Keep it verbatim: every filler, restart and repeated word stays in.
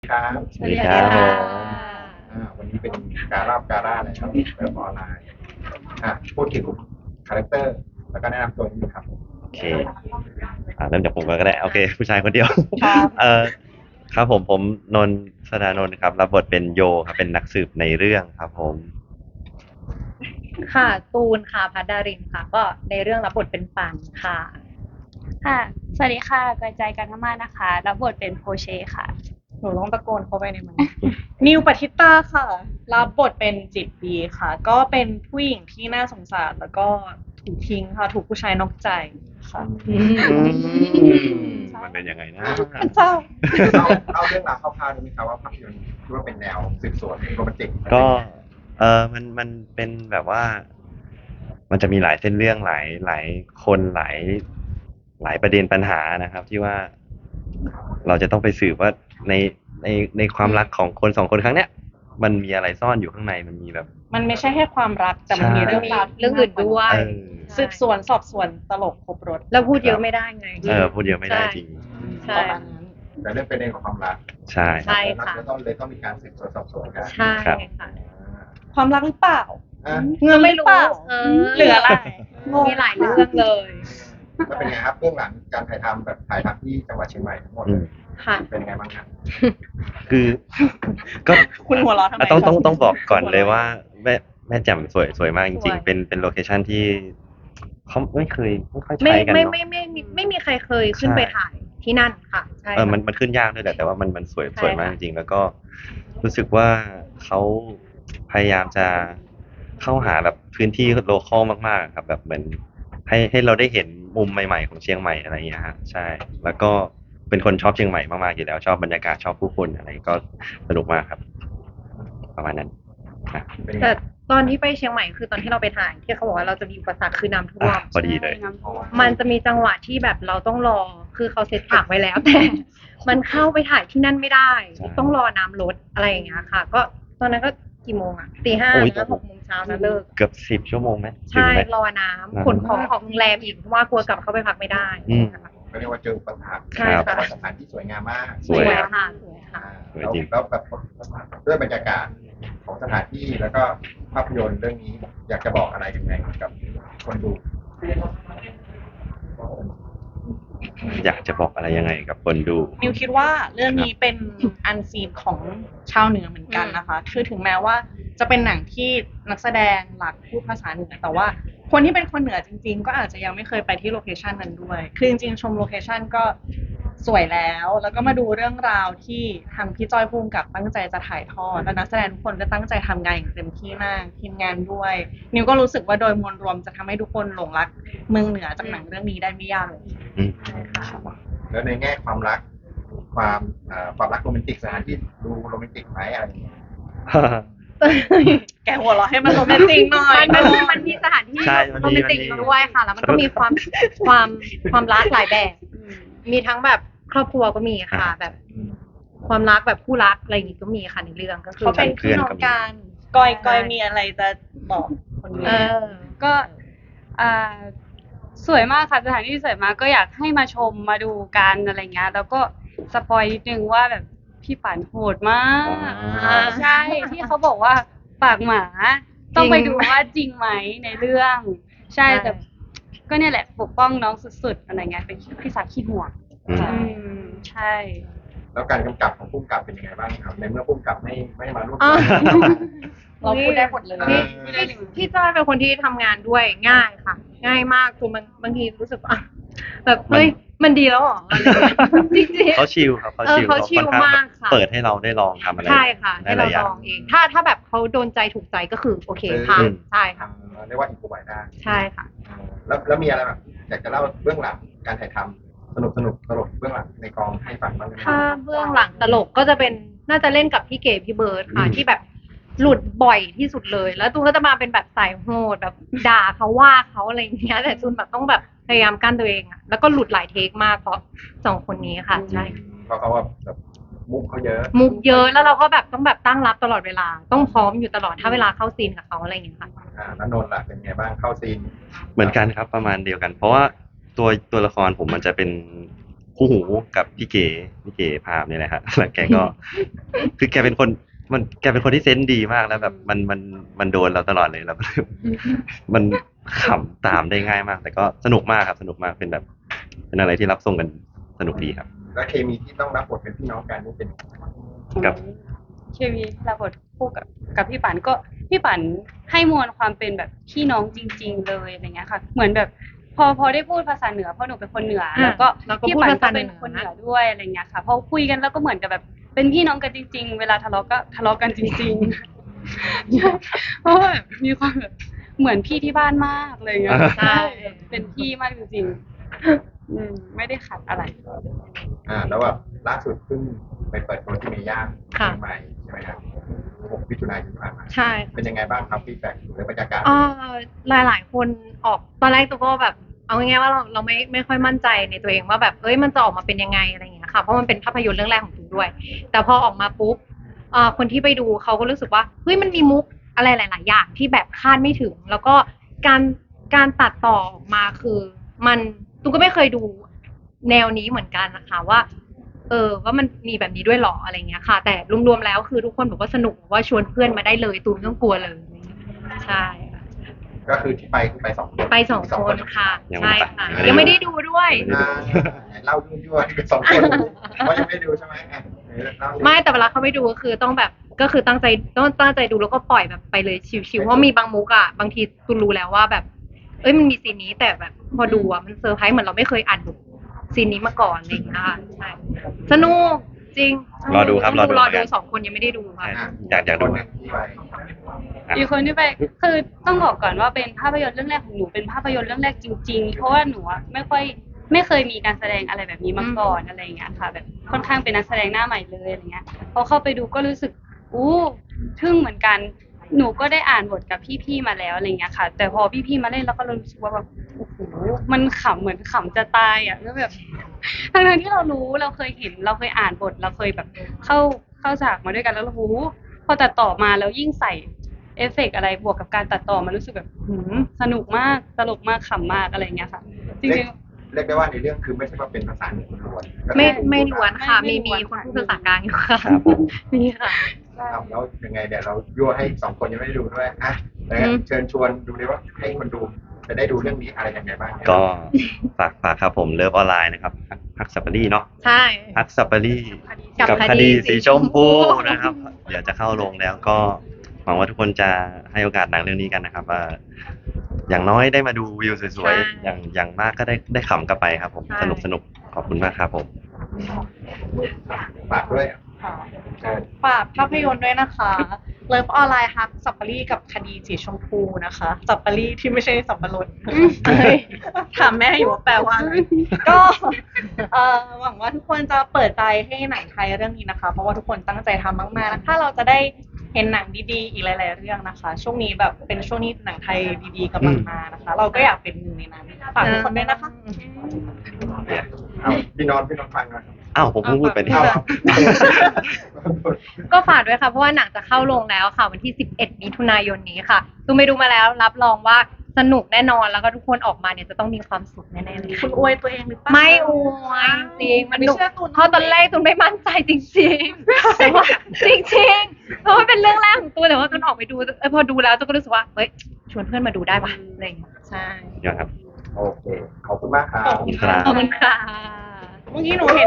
ครับสวัสดีครับผมอ่าวันนี้เป็นการ่าการ่านะครับเว็บออนไลน์อ่ะพูดถึงคาแรคเตอร์แล้วก็แนะนำตัวนิดนึงครับโอเคอ่าเริ่มจากผมก่อนก็ได้โอเคผู้ชายคนเดียวครับเอ่อครับผมผมนนท์สดานนท์ครับรับบทเป็นโยครับเป็นนักสืบในเรื่องครับผมค่ะตูนค่ะพัดดารินค่ะ ก็ในเรื่องรับบทเป็นปันค่ะค่ะ สวัสดีค่ะกระจายกันมากๆนะคะ รับบทเป็นโพเชค่ะหนูต้องตะโกนเข้าไปในมัน นิวปฏิตาค่ะ รับบทเป็นจิตดีค่ะ ก็เป็นผู้หญิงที่น่าสงสารแล้วก็ถูกทิ้งค่ะ ถูกผู้ชายนอกใจค่ะมันเป็นยังไงนะเศร้าเล่าเล่าเรื่องราวคร่าวๆได้ไหมครับว่าภาพยนตร์คิดว่าเป็นแนวสืบสวนโรแมนติกก็เออมันมันเป็นแบบว่า มันจะมีหลายเส้นเรื่องหลายหลายคนหลายหลายประเด็นปัญหานะครับ ที่ว่า เราจะต้องไปสืบว่าในในในความรักของคนสองคนครั้งเนี้ย มันมีอะไรซ่อนอยู่ข้างในมันมีแบบมันไม่ใช่แค่ความรักแต่มันมีเรื่องราวที่เรื่องอื่นด้วยเออสืบสวนสอบสวนตลกครบรถแล้วพูดเยอะไม่ได้ไงเออพูดเยอะไม่ได้จริงใช่ประมาณนั้นแต่เรื่องเป็นเรื่องของความรักใช่ใช่ค่ะแล้วต้องเลยต้องมีการสืบสวนสอบสวนกันใช่ค่ะอ่าความรักหรือเปล่าอ่ะเงินหรือเปล่าเออเหลืออะไรมีหลายเรื่องเลยแล้วเป็นไงครับเรื่องหลังการถ่ายทำแบบถ่ายทำที่จังหวัดเชียงใหม่ทั้งหมดอืเลมยค่ะเป็นไงบ้างครับคือ ก็คุณหัวเราะทำไมต้องต้องครับต้องบอกก่อนเลยว่าแม่แม่แจ่มสวยสวยมากจสริวงยๆ เป็นเป็นโลเคชั่นที่เขาไม่เคยไม่ค่อยไม่ใช้กันไม่เนาะไม่ไม่ไม่ไม่มีใครเคยขึ้นใช่ไปถ่ายที่นั่นค่ะใช่เออมันค่ะมันขึ้นยากด้วยแหละแต่ว่ามันมันสวยใช่สวยมากค่ะจริงๆแล้วก็รู้สึกว่าเขาพยายามจะเข้าหาแบบพื้นที่โลคอลมากๆครับ แบบเหมือนให้ให้เราได้เห็นมุมใหม่ๆของเชียงใหม่อะไรอย่างเงี้ยฮะใช่ แล้วก็เป็นคนชอบเชียงใหม่มากๆอยู่แล้ว ชอบบรรยากาศชอบผู้คนอะไรก็สนุกมากครับ ประมาณนั้นนะเป็นไงแต่ตอนที่ไปเชียงใหม่คือตอนที่เราไปถ่ายที่เขาบอกว่าเราจะมีอุปสรรคคือน้ำท่วอ่ะมพอดีเลยมันจะมีจังหวะที่แบบเราต้องรอ คือเขาเซตฉากไว้แล้ว แต่มันเข้าไปถ่ายที่นั่นไม่ได้ใช่ต้องรอน้ำลดอะไรอย่างเงี้ยค่ะ ก็ตอนนั้นก็กี่โมงอะตีห้าโอ้ยนะหกโมงเช้านะเลิกเกือบสิบชั่วโมงไหมถึงใช่ไหมรอน้ำขนของของโรงแรมอีกเพราะว่ากลัวกลับเข้าไปพักไม่ได้อืมก็เรียกว่าเจออุปสรรคใช่ค่ะแต่ว่าสถานที่สวยงามมากสวยค่ะสวยค่ะสวยแล้วจริงแล้วแบบด้วยบรรยากาศของสถานที่แล้วก็ภาพยนตร์เรื่องนี้อยากจะบอกอะไรยังไงกับคนดูอยากจะบอกอะไรยังไงกับคนดูนิวคิดว่าเรื่องนี้เป็นอันซีนของชาวเหนือเหมือนกันนะคะ คือถึงแม้ว่าจะเป็นหนังที่นักแสดงหลักพูดภาษาเหนือ แต่ว่าคนที่เป็นคนเหนือจริงๆ ก็อาจจะยังไม่เคยไปที่โลเคชันนั้นด้วย คือจริงๆ ชมโลเคชันก็สวยแล้ว แล้วก็มาดูเรื่องราวที่ทางพี่จ้อยภูมิกับตั้งใจจะถ่ายทอด และนักแสดงทุกคนก็ตั้งใจทำงานอย่างเต็มที่มาก ทีมงานด้วย นิวก็รู้สึกว่าโดยมวลรวมจะทำให้ทุกคนหลงรักเมืองเหนือจากหนังเรื่องนี้ได้ไม่ยากเลยอืมแล้วในแง่ความรัก ความเอ่อความรักโรแมนติกสถานที่ดูโรแมนติกไหมอะไรอย่างเงี้ยแกหัวเราะให้มันโรแมนติกหน่อยมันมันมันมีสถานที่ใช่มันมีโรแมนติกมันมีด้วยค่ะ แล้วมันก็มีความความความรักหลายแบบ มีทั้งแบบครอบครัวก็มีค่ะ แบบอืมความรักแบบคู่รักอะไรอย่างงี้ก็มีค่ะในเรื่องก็คือเขาเป็นเพื่พี่อนน้องก็มีกันกอยกอยมีอะไรจะบอกคนดูเออก็อ่าสวยมากค่ะสถานที่สวยมากก็อยากให้มาชมมาดูกันอะไรเงี้ยแล้วก็สปอยนิดนึงว่าแบบพี่ปันโหดมากอ่าใช่ที่เขาบอกว่าปากหมา ต้องไปดูว่าจริงไหมในเรื่อง ใช่ใช่แต่ก็เนี่ยแหละปกป้องน้องสุดๆอะไรเงี้ยเป็นพี่สักขี้ห่วงอืมอืมใช่แล้วการกำกับของผู้กำกับเป็นยังไงบ้างครับในเมื่อผู้กำกับไม่ไม่มาร่วมอ่าเราพูดได้หมดเลยเอพี่อพี่พี่จ้อยเป็นคนที่ทำงานด้วยง่ายค่ะ ง่ายมากจนบางบางทีรู้สึกว่าแบบเฮ้ยมันดีแล้วเหรออะไรอย่างเงี้ยจริงๆเขาชิลครับเขาเออชิลเขาชิลค่อนข้งมากค่ะเปิดให้เราได้ลองทำอะไรใช่ค่ะได้ให้หเราลายอย่าลงองเอง ถ้าถ้าแบบเขาโดนใจถูกใจก็คือโอเคอืมผ่านใช่ค่ะเอ่อเรียกว่าอินโฟไวได้ใช่ค่ะเออแล้วแล้วมีอะไรแบบอยากจะเล่าเบื้องหลังการถ่ายทำสนุกสนุกตลกเบื้องหลังในกองให้ฟังบ้างไหมถ้าเบื้องหลังตลกก็จะเป็นน่าจะเล่นกับพี่เก๋พี่เบิร์ดค่ะอืมที่แบบหลุดบ่อยที่สุดเลย แล้วตูนก็จะมาเป็นแบบสายโหดแบบด่าเขาว่าเขาอะไรอย่างเงี้ยแต่ตูนแบบต้องแบบพยายามกั้นตัวเองอะแล้วก็หลุดหลายเทคมากเพราะสองคนนี้ค่ะใช่เพราะเขาว่าแบบมุกเขาเยอะมุกเยอะแล้วเราก็แบบต้องแบบตั้งรับตลอดเวลา ต้องพร้อมอยู่ตลอดถ้าเวลาเข้าซีนกับเขาอะไรอย่างเงี้ยค่ะอ่าแล้วนนท์ล่ะเป็นไงบ้างเข้าซีนเหมือนกันครับประมาณเดียวกัน เพราะว่าตัวตัวละครผมมันจะเป็นโคู่หูกับพี่เก๋พี่เก๋พามเนี่ยแหละฮะแล้วแกก็ คือแกเป็นคนมันแกเป็นคนที่เซนส์ดีมากแล้วแบบมันมันมันโดนเราตลอดเลยแล้ว มันขำตามได้ง่ายมาก แต่ก็สนุกมากครับสนุกมากเป็นแบบ เป็นอะไรที่รับส่งกันสนุกดีครับแล้วเคมีที่ต้องรับบทเป็นพี่น้องกันนี่เป็นครับเคมีรับบทคู่กับกับพี่ปันก็พี่ปันให้มวลความเป็นแบบพี่น้องจริง ๆ เลยอะไรเงี้ยค่ะ เหมือนแบบพอพอได้พูดภาษาเหนือเพราะหนูเป็นคนเหนืออ่ะแล้วก็เราก็พี่พูดปันภาก็ษาเหนืเป็นอคนเหนือด้วยอะไรเงี้ยค่ะพอคุยกันแล้วก็เหมือนกับแบบเป็นพี่น้องกันจริง ๆ เวลาทะเลาะก็ทะเลาะกันจริงๆ ใช่เพราะว่าแบบมีความแบบเหมือนพี่ที่บ้านมากเลยเงี้ยใช่เป็นพี่มากจริงๆอืมไม่ได้ขัดอะไรอ่าแล้วแบบล่าสุดเพิ่งไปเปิดตัวที่เมย่าค่ะเชียงใหม่ใช่ไหมครับหกมิถุนายนที่ผ่านมาใช่เป็นยังไงบ้างครับฟีดแบ็กหรือบรรยากาศเอ่อหลายหลายๆคนออกตอนแรกตัวก็แบบเอาง่ายๆว่าเราเราไม่ไม่ค่อยมั่นใจในตัวเองว่าแบบเอ้ยมันจะออกมาเป็นยังไงอะไรอย่างเงี้ยค่ะเพราะมันเป็นภาพยนตร์เรื่องแรกของตูด้วย แต่พอออกมาปุ๊บเอ่อคนที่ไปดูเขาก็รู้สึกว่าเฮ้ยมันมีมุกอะไรหลาย ๆ อย่างที่แบบคาดไม่ถึง แล้วก็การการตัดต่อออกมาคือ มันตูก็ไม่เคยดูแนวนี้เหมือนกันนะคะว่า เออว่ามันมีแบบนี้ด้วยเหรออะไรเงี้ยค่ะ แต่รวมๆแล้วคือทุกคนบอกว่าสนุกบอกว่าชวนเพื่อนมาได้เลยตูไม่ต้องกลัวเลยใช่ค่ะก็คือที่ไปคือไปสองคนไปสองคนค่ะยังไม่ใช่ไปค่ะยัยังงไม่ไม่ได้ได้ดูด้วยอ่าเล่ายั่วๆเป็นสองคนเพราะยังไม่ได้ดูใช่ไหมอ่ะเล่าสิไม่แต่เวลาเขาไปดูก็คือต้องแบบก็คือตั้งใจต้องตั้งใจดูแล้วก็ปล่อยแบบไปเลยชิวๆเพราะมีบางมุกอ่ะบางทีตูรู้แล้วว่าแบบ เอ้ยมันมีซีนนี้แต่แบบพอดูอ่ะมันเซอร์ไพรส์เหมือนเราไม่เคยอ่านบทซีนนี้มาก่อนอะไรอย่างเงี้ยค่ะใช่สนุกจริงรอดูครับต้องรอดูรอเหมือนกัดูนสองคนยังไม่ได้ดูค่ะอ่ะอยากอยากดูคนหนึ่งที่ไปอ่ะอีกคนที่ไปคือต้องบอกก่อนว่าเป็นภาพยนตร์เรื่องแรกของหนูเป็นภาพยนตร์เรื่องแรกจริง ๆ เพราะว่าหนูอะไม่ค่อยไม่เคยมีการแสดงอะไรแบบนี้มาก่อนอะไรอย่างเงี้ยค่ะ แบบค่อนข้างเป็นนักแสดงหน้าใหม่เลยอะไรเงี้ยพอเข้าไปดูก็รู้สึกอู้ทึ่งเหมือนกัน หนูก็ได้อ่านบทกับพี่ๆมาแล้วอะไรเงี้ยค่ะ แต่พอพี่ๆมาเล่นแล้วก็รู้สึกว่าแบบโอ้โหมันขำเหมือนขำจะตายอ่ะแล้วแบบทั้งๆที่เรารู้เราเคยเห็นเราเคยอ่านบทเราเคยแบบเข้าเข้าฉากมาด้วยกันแล้วเราโอ้โหพอตัดต่อมาแล้วยิ่งใส่ เอฟเฟกต์อะไรบวกกับการตัดต่อมันรู้สึกแบบหืมสนุกมากตลกมากขำมากอะไรอย่างเงี้ยค่ะ จริเรียงกเรียกได้ว่าในเรื่องคือไม่ใช่ว่าเป็นภาษาเหนือล้วนๆก็คือไม่ไม่ล้วนค่ะไม่มีไม่มีล้วนคนค่ะพูดภาษากลางอยู่ค่ะครับผมมีค่ะๆใช่ครับแล้วยังไงเดี๋ยวเรายั่วให้สองคนยังไม่ได้ดูด้วยอ่ะแล้วอืมเชิญชวนดูเลยว่าให้คนดูจะได้ดูเรื่องนี้อะไรยังไงบ้างก็ฝากฝากครับผมเลิฟออนไลน์นะครับฮักฮักสัปปารีเนาะใช่ฮักสัปปารีกับกับคคดีดีสีสีชชมมพูพูนะครับ เดี๋ยวจะเข้าโรงแล้วก็หวังว่าทุกคนจะให้โอกาสหนังเรื่องนี้กันนะครับว่าอย่างน้อยได้มาดูวิวสวยๆอย่างอย่างมากก็ได้ได้ขำกลับไปครับผมสนุกสนุกขอบคุณมากครับผมฝากด้วยค่ะเชิญฝากภาพยนตร์ด้วยนะคะเลิฟออนไลน์ฮักสับปะรีกับคดีสีชมพูนะคะสับปะรีที่ไม่ใช่สับปะรดเอ้ยถามแม่อยู่ว่าแปลว่าอะไรก็เอ่อหวังว่าทุกคนจะเปิดใจให้หนังไทยเรื่องนี้นะคะ เพราะว่าทุกคนตั้งใจทำมากๆนะถ้าเราจะได้เห็นหนังดีๆอีกหลาย ๆ เรื่องนะคะ ช่วงนี้แบบเป็นช่วงนี้หนังไทยดีๆกำลังมานะคะ เราก็อยากเป็นหนึ่งในนั้นฝากทุกคนด้วยนะคะเอาพี่นอนพี่นอนฟังหน่อยอ้าวผมเพิ่งพูดไปนี่เอาก็ฝากด้วยค่ะเพราะว่าหนังจะเข้าโรงแล้วค่ะวันที่สิบเอ็ดมิถุนายนนี้ค่ะตูไปดูมาแล้วรับรองว่าสนุกแน่นอนแล้วก็ทุกคนออกมาเนี่ยจะต้องมีความสุขแน่ๆเลยคุค่ะณอวยตัวเองหรือเปล่าไม่อวยจริงมันไม่หนุกเชื่อตูนเพราะตอนแรกตูนไม่มั่นใจจริงๆแต่ว่าจริงๆเพราะว่าเป็นเรื่องแรกของตูนแต่ว่าตูนออกไปดูเออพอดูแล้วตูนก็รู้สึกว่าเฮ้ยชวนเพื่อนมาดูได้ป่ะอะไรอย่างเงี้ยใช่เดี๋ยวครับโอเค ขอบคุณมากครับขอบคุณค่ะขอบคุณค่ะเมื่อกี้หนูเห็น